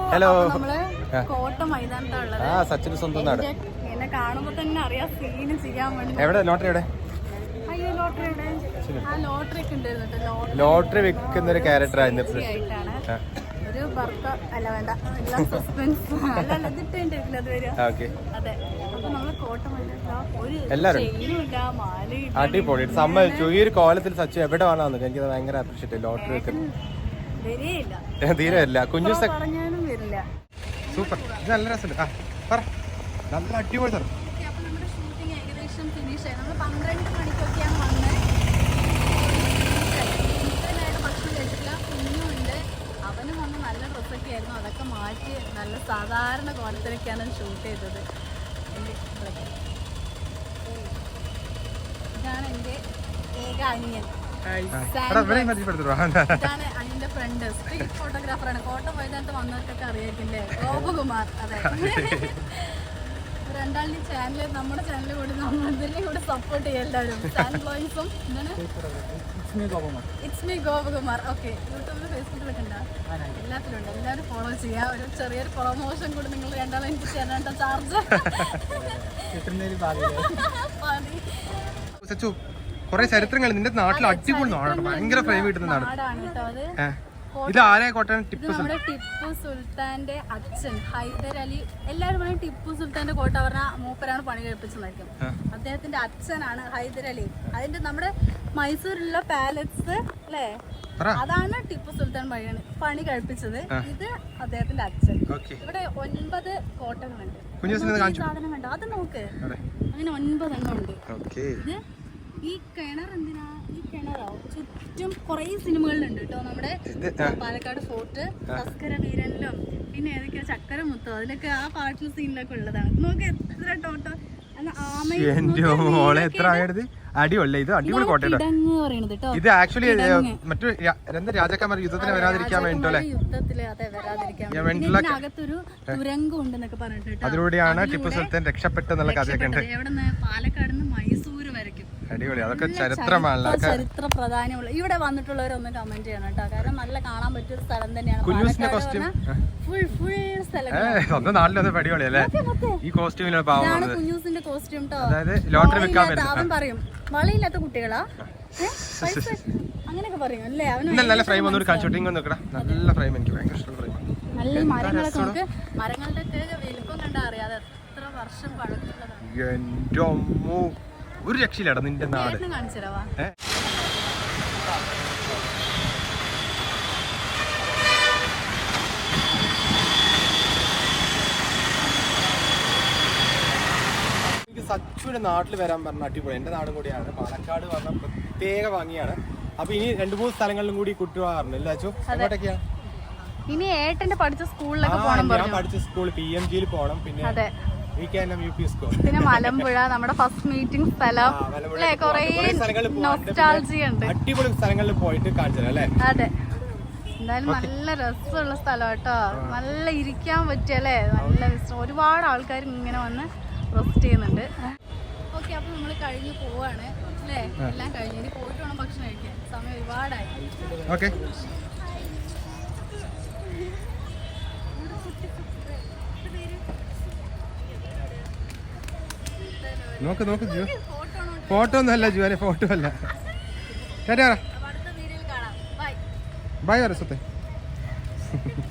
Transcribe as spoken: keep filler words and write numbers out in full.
Hello. നമ്മള് കോട്ട മൈതാനത്താണുള്ളത്. ആ സച്ചിന് സ്വന്തം നാട്. എന്നെ കാണുമ്പോ തന്നെ അറിയാം സീന് ചെയ്യാൻ വേണ്ടി. എവിടെ ലോട്ടറി എവിടെ? അയ്യോ ലോട്ടറി എവിടെ? ആ ലോട്ടറി ഒക്കെ ഉണ്ടായിരുന്നു. ലോട്ടറി വിൽക്കുന്ന ഒരു ക്യാരക്ടർ ആയിട്ടാണ് ഒരു ഭർത്ത അല്ല വേണ്ട എല്ലാം സസ്പെൻസ് അല്ല ഇതിട്ടില്ല അത് വരിക. അതെ അപ്പൊ നമ്മള് കോട്ട മൈതാനത്താ ഒരു ചെയിനുമില്ല മാലയില്ല. അടിപൊളി സമ്മതിച്ചു. ഈ ഒരു കോലത്തിൽ സച്ചു എവിടെ വേണമെന്ന് എനിക്ക് ഭയങ്കര അപ്രീഷിയേറ്റ്. ലോട്ടറി വെക്കുന്നത് തീരെ ഇല്ല. കുഞ്ഞു പറഞ്ഞാലും വരില്ല. സൂപ്പർ. ഇത് നല്ല രസമുണ്ട്. ആ പറ. നല്ല അടിപൊളി സ്ഥലം. അപ്പൊ നമ്മുടെ ഷൂട്ടിംഗ് ഏകദേശം ഫിനിഷ് ആയി. നമ്മൾ പന്ത്രണ്ട് മണിക്കൊക്കെയാണ് വന്നത്. ഭക്ഷണം കഴിച്ചില്ല. കുഞ്ഞുണ്ട്. അവനും വന്ന് നല്ല ഡ്രസ്സൊക്കെ ആയിരുന്നു. അതൊക്കെ മാറ്റി നല്ല സാധാരണ കോലത്തിലൊക്കെയാണ് ഷൂട്ട് ചെയ്തത്. ഇതാണ് എൻ്റെ ഏക അനിയൻ. ഇതാണ് അനിയന്റെ ഫ്രണ്ട്, സ്ട്രീറ്റ് ഫോട്ടോഗ്രാഫറാണ്. കോട്ട മൈതാനത്ത് വന്നവർക്കൊക്കെ അറിയാക്കില്ലേ, ഗോപകുമാർ. അതെ, രണ്ടാളുടെ ചാനല് നമ്മുടെ ചാനലിൽ കൂടി നമ്മളതിനെ കൂടെ സപ്പോർട്ട് ചെയ്യാം എല്ലാവരും. ചാനൽ വോയിസും എന്താണ് ഇറ്റ്സ് മീ ഗോപകുമാർ. ഓക്കെ, യൂട്യൂബിൽ ഫേസ്ബുക്കിലൊക്കെ ഉണ്ടോ? എല്ലാത്തിലും ഉണ്ട്. എല്ലാവരും ഫോളോ ചെയ്യാം. ഒരു ചെറിയൊരു പ്രൊമോഷൻ കൂടി നിങ്ങൾ രണ്ടാളും എനിക്ക് തരാണ്ട ചാർജ്. കുറെ ചരിത്രങ്ങൾ നിന്റെ നാട്ടിൽ അടിപൊളി നാടാണ്. ഭയങ്കര ഫ്രെയിം കിട്ടുന്ന നാടാണ് കേട്ടോ അത്. ഇത് ആരെ കോട്ടയം? ടിപ്പു നമ്മുടെ ടിപ്പു സുൽത്താന്റെ അച്ഛൻ ഹൈദർ അലി. എല്ലാവരും പറയും ടിപ്പു സുൽത്താന്റെ കോട്ട പറഞ്ഞ മൂപ്പരാണ് പണി കഴിപ്പിച്ചതായിരിക്കും. അദ്ദേഹത്തിന്റെ അച്ഛനാണ് ഹൈദർ അലി. അതിന്റെ നമ്മുടെ മൈസൂരിലുള്ള പാലസ് അല്ലേ, അതാണ് ടിപ്പു സുൽത്താൻ പണിയാണ് പണി കഴിപ്പിച്ചത്. ഇത് അദ്ദേഹത്തിന്റെ അച്ഛൻ. ഇവിടെ ഒൻപത് കോട്ടകളുണ്ട്. സാധനം കണ്ടോ? അത് നോക്ക്, അങ്ങനെ ഒൻപതെണ്ണം ഉണ്ട്. ഇത് ഈ കിണർ എന്തിനാ? ഈ കിണറോ ചുറ്റും കുറെ സിനിമകളിലുണ്ട് കേട്ടോ. നമ്മുടെ പാലക്കാട് ഫോർട്ട്, തസ്കര വീരനിലും പിന്നെ ഏതൊക്കെയാ ചക്കര മുത്തോ, അതിലൊക്കെ ആ പാട്ടിലെ സീനിലൊക്കെ ഉള്ളതാണ്. നോക്ക് എത്ര ടോട്ടോ. ഇത് ആക്ച്വലി മറ്റു രാജാക്കന്മാർ യുദ്ധത്തിന് വരാതിരിക്കാൻ വേണ്ടിട്ടല്ലേ, അകത്തൊരു തുരങ്കം ഉണ്ടെന്നൊക്കെ പറഞ്ഞിട്ട് അതിലൂടെയാണ് ടിപ്പു സുൽത്താൻ രക്ഷപ്പെട്ടെന്നുള്ള കഥയൊക്കെ ഉണ്ട്. എവിടെന്ന്? പാലക്കാട് നിന്ന് മൈസൂര് വരയ്ക്കും. അടിപൊളി. അതൊക്കെ ചരിത്രമാണ്, ചരിത്ര പ്രാധാന്യമുള്ള. ഇവിടെ വന്നിട്ടുള്ളവരൊന്ന് കമന്റ് ചെയ്യണം കേട്ടോ, കാരണം നല്ല കാണാൻ പറ്റിയ ഒരു സ്ഥലം തന്നെയാണ്. ഫുൾ ഫുൾ സ്വന്തം നാട്ടിലൊന്നും അടിപൊളിയല്ലേ ഈ കോസ്റ്റ്യൂമിലാണ് പാവം. കുഞ്ഞൂസിന്റെ കോസ്റ്റ്യൂം കേട്ടോ. അതായത് ലോട്ടറി വെക്കാൻ അവൻ പറയും വളയില്ലാത്ത കുട്ടികളാ അങ്ങനെയൊക്കെ പറയും അല്ലേ. അവന് നല്ല ഫ്രെയിം ഒന്നും കാണിച്ചോട്ടിങ് നോക്കടാ. നല്ല ഫ്രെയിം, എനിക്ക് ഭയങ്കര ഇഷ്ടമുള്ള ഫ്രെയിം. നല്ല മരങ്ങളൊക്കെ നമുക്ക് മരങ്ങളുടെ ഒക്കെ വലിപ്പം കണ്ടാ അറിയാതെ എത്ര വർഷം പഴക്കമുള്ളതാണ്. ഒരു രക്ഷയില്ലാടാ നിന്റെ നാട്. കാണിച്ചരാവാ. എനിക്ക് സച്ചുവിന്റെ നാട്ടിൽ വരാൻ പറഞ്ഞ അടിപൊളി. എന്റെ നാടും കൂടിയാണ് പാലക്കാട്. പറഞ്ഞ പ്രത്യേക ഭംഗിയാണ്. അപ്പൊ ഇനി രണ്ടു മൂന്ന് സ്ഥലങ്ങളിലും കൂടി കുട്ടിവാറുണ്ട് അല്ലേ അച്ചു? എങ്ങോട്ടൊക്കെയാണ് ഇനി? ഏട്ടന്റെ പഠിച്ച സ്കൂളിലൊക്കെ പോകണം. ഞാൻ പഠിച്ച സ്കൂൾ പി എം ജിയിൽ പോകണം. പിന്നെ പിന്നെ മലമ്പുഴ നമ്മുടെ ഫസ്റ്റ് മീറ്റിംഗ് സ്ഥലം അല്ലേ. കൊറേ നൊസ്റ്റാൾജിയ ഉണ്ട്. അടിപൊളി സ്ഥലങ്ങളിൽ പോയിട്ട് കാണിച്ചു അല്ലേ. അതെ, എന്തായാലും നല്ല രസമുള്ള സ്ഥലം കേട്ടോ. നല്ല ഇരിക്കാൻ പറ്റിയല്ലേ, നല്ല ഒരുപാട് ആൾക്കാർ ഇങ്ങനെ വന്ന് റെസ്റ്റ് ചെയ്യുന്നുണ്ട്. ഓക്കെ, അപ്പൊ നമ്മൾ കഴിഞ്ഞ് പോവാണ് അല്ലേ. എല്ലാം കഴിഞ്ഞ് ഇനി പോയിട്ട് വേണം ഭക്ഷണം കഴിക്കാൻ. സമയം ഒരുപാടായി. ഓക്കെ, നോക്ക് നോക്ക് ജു, ഫോട്ടോ ഒന്നും അല്ല ജുവാനെ, ഫോട്ടോ അല്ല. ബൈ വരെ സ്വത്തെ.